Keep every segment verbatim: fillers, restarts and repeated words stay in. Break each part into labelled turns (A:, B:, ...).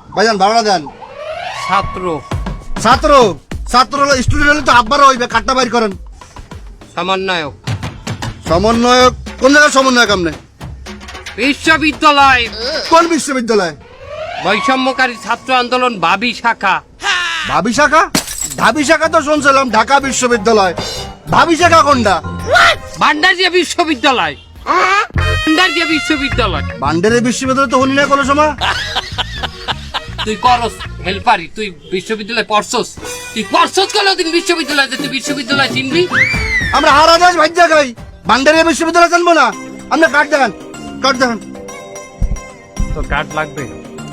A: ভাইজান ভাড়া দেন।
B: ছাত্র
A: ছাত্র ছাত্র হলো স্টুডেন্ট হলে তো আব্বারও হইবে, কাটটা বাইর করেন।
B: সমন্বয়ক
A: সমন্বয়ক কোন জায়গায় সমন্বয়ক আপনি?
B: বিশ্ববিদ্যালয়
A: কোন বিশ্ববিদ্যালয়?
B: বৈষম্যকারী ছাত্র আন্দোলন বাবি শাখা।
A: ভাবি শাখা? ভাবি শাখা তো শুনছিলাম ঢাকা বিশ্ববিদ্যালয়। ভাবি শাখা কোনটা?
B: ভান্ডারিয়া বিশ্ববিদ্যালয়। ভান্ডারিয়া বিশ্ববিদ্যালয়।
A: বান্ডারের বিশ্ববিদ্যালয় তো হলি না কোনো সময়।
B: তুই করস হেল্পারি, তুই বিশ্ববিদ্যালয় পড়ছস? তুই পড়ছস কোনদিন বিশ্ববিদ্যালয়? তুই বিশ্ববিদ্যালয় চিনবি?
A: আমরা হারা দেশ ভাজ্যা খাই, বান্ডারিয়া বিশ্ববিদ্যালয় জানবো না? আপনি কাট দেখান, কাট দেখান।
B: তো কার্ড লাগবে।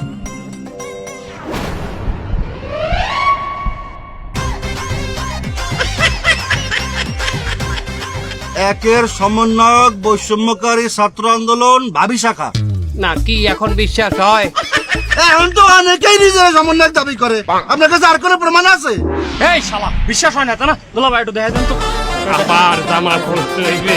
A: একের সমন্বয়ক বৈষম্যকারী ছাত্র আন্দোলন ভাবি শাখা।
B: না কি এখন বিশ্বাস হয়?
A: এখন তো অনেকেই নিজের সমন্বয়ক দাবি করে। আপনার কাছে আর কোনো প্রমাণ আছে?
C: এই শালা বিশ্বাস হয় না তা না? দুলা ভাই একটু দেখা দেন তো।
B: আবার জামা পড়তে হইবে।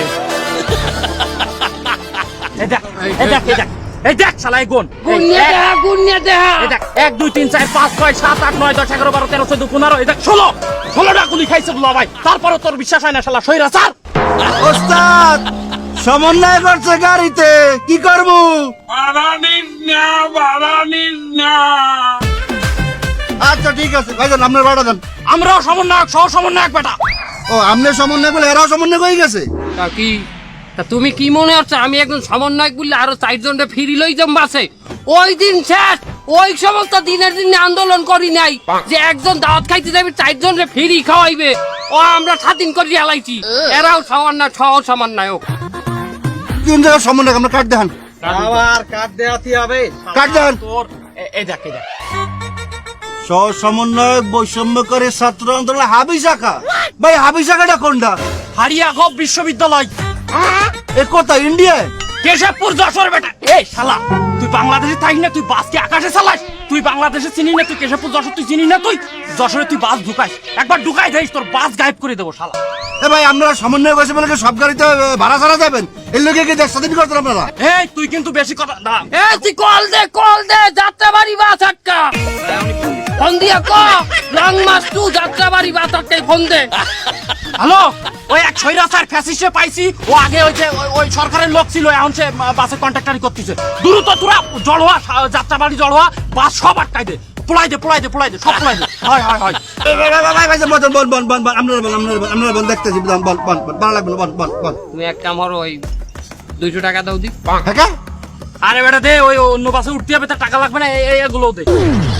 C: এই দেখ এই দেখ এই দেখ এই দেখ শালা এই গুণ।
B: গুনিয়া দেহা গুনিয়া দেহা।
C: এই দেখ এক দুই তিন চার পাঁচ ছয় সাত আট নয় দশ এগারো বারো তেরো চোদ্দ পনেরো এই দেখ ষোলো ষোলোটা গুলি খাইছে দুলা ভাই, তারপরে তোর বিশ্বাস হয় না শালা সইরা স্যার।
A: ওস্তাদ সমন্বয় করছে গাড়িতে, কি করবো? আচ্ছা ঠিক আছে ভাইজান, আপনার ভাড়া দেন।
C: আমরাও সমন্বয়ক সহ সমন্বয়ক বেটা।
A: ও আপনি সমন্বয় বলে এরাও সমন্বয় হয়ে গেছে?
B: তা কি তা তুমি কি মনে হচ্ছে আমি একজন সমন্বয়ক বললে আরো চারজনটা ফিরি লই যাম বাসে? ওই দিন শেষ, ওই সমস্ত দিনের দিনে আন্দোলন করি নাই যে একজন দাওয়াত খাইতে যাবে চারজনরে ফিরি খাওয়াইবে। ও আমরা স্বাধীন করে হালাইছি। এরাও সমন্বয় সহ সমন্বয়ক।
A: কোন জায়গায় সমন্বয়ক? আমরা কাট দেখান,
C: আবার কাট দেয়াতে হবে।
A: কাট দেখান।
C: তোর এ- এই দেখ এই দেখ
A: সহ সমন্বয়ক বৈষম্যকারী ছাত্র আন্দোলন হাবি শাখা। ভাই হাবি শাখাটা কোনটা?
C: হারিয়া গভ বিশ্ববিদ্যালয়
A: এ কোথায়? ইন্ডিয়ায়?
C: কেশবপুর যশোর বেটা। এই শালা তুই বাংলাদেশে থাকিস না, তুই বাসকে আকাশে চালাস? তুই বাংলাদেশে চিনি না, তুই কেশবপুর যশোর তুই চিনি না? তুই যশোরে তুই বাস ঢুকাইস, একবার ঢুকাই দেখিস তোর বাস গায়েব করে দেবো শালা।
A: এ ভাই আপনারা সমন্বয় করছে বলে কি সব গাড়িতে আহ, ভাড়া ছাড়া যাবেন? এর লোকে কি দেশ স্বাধীন করতেন আপনারা?
C: এই তুই কিন্তু বেশি কথা দাঁড়া।
B: এ তুই কল দে কল দে যাত্রাবাড়ি বাস আটকা। ফোন দিয়া ক লং মাস টু যাত্রাবাড়ি বাস আটকাই ফোন দে।
C: হ্যালো, ওই এক সৈরাচার ফ্যাসিস্টে পাইছি, ও আগে ওই যে ওই- ওই সরকারের লোক ছিল, এখন সে আহ, বাসে কন্ট্রাক্টারি করতেছে। দ্রুত তোরা জল হওয়া যাত্রাবাড়ি জল হওয়া বাস সব আটকাই দে, পোলাই দে পোলাই দে পোলাই দে সব পোলাই দে। হয় হয় হয়
A: এ ভাই, ভাই, ভাই, ভাই, ভাই, বল, বল, বল, বল, বল, আপনারা বল, আপনারা বল, আপনারা বল, দেখতেছি, বল, বল, বল, বল, ভালো লাগবে না, বল, বল, বল।
B: তুমি এক কাম করো ওই দুইশো টাকা দাও দি।
A: হ্যাঁ কা?
C: আরে বেটা দে, ওই অন্য বাসে উঠতে হবে, তার টাকা লাগবে না, এই এই- এগুলোও দে।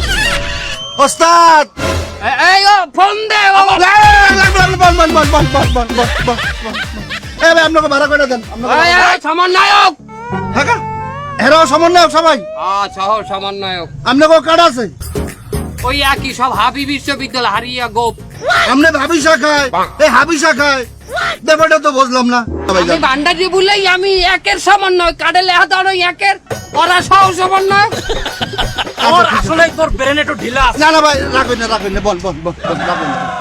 A: ওস্তাদ
B: এ- এই ও ফোন দে ও।
A: লাগবে, লাগবে, লাগবে, বল, বল, বল, বল, বল, বল, বল, বল, বল, বল। এ ভাই আপনাকে ভাড়া করে দেন, আপনাকে
B: এই,
A: ভাড়া-
B: এই, সমন্বয়ক।
A: হ্যাঁ কা? এরাও সমন্বয়ক সবাই?
B: হ্যাঁ সহ সমন্বয়ক।
A: আপনাকেও কার্ড আছে?
B: ওই একই সব হাবি বিশ্ববিদ্যালয় হারিয়া গোপ।
A: আপনি হাবি শাখায়, এই হাবি শাখায়, ব্যাপারটা তো বুঝলাম না।
B: আমি ভান্ডারি বলেই আমি একের সমন্বয় কাডে লেখা দাঁড়ো একের ওরা সহ সমন্বয়।
C: ওর আসলে তোর ব্রেন একটু ঢিলা আছে।
A: না না ভাই রাখবেন না, রাখবেন না, বল বল বল বল, রাখবেন না।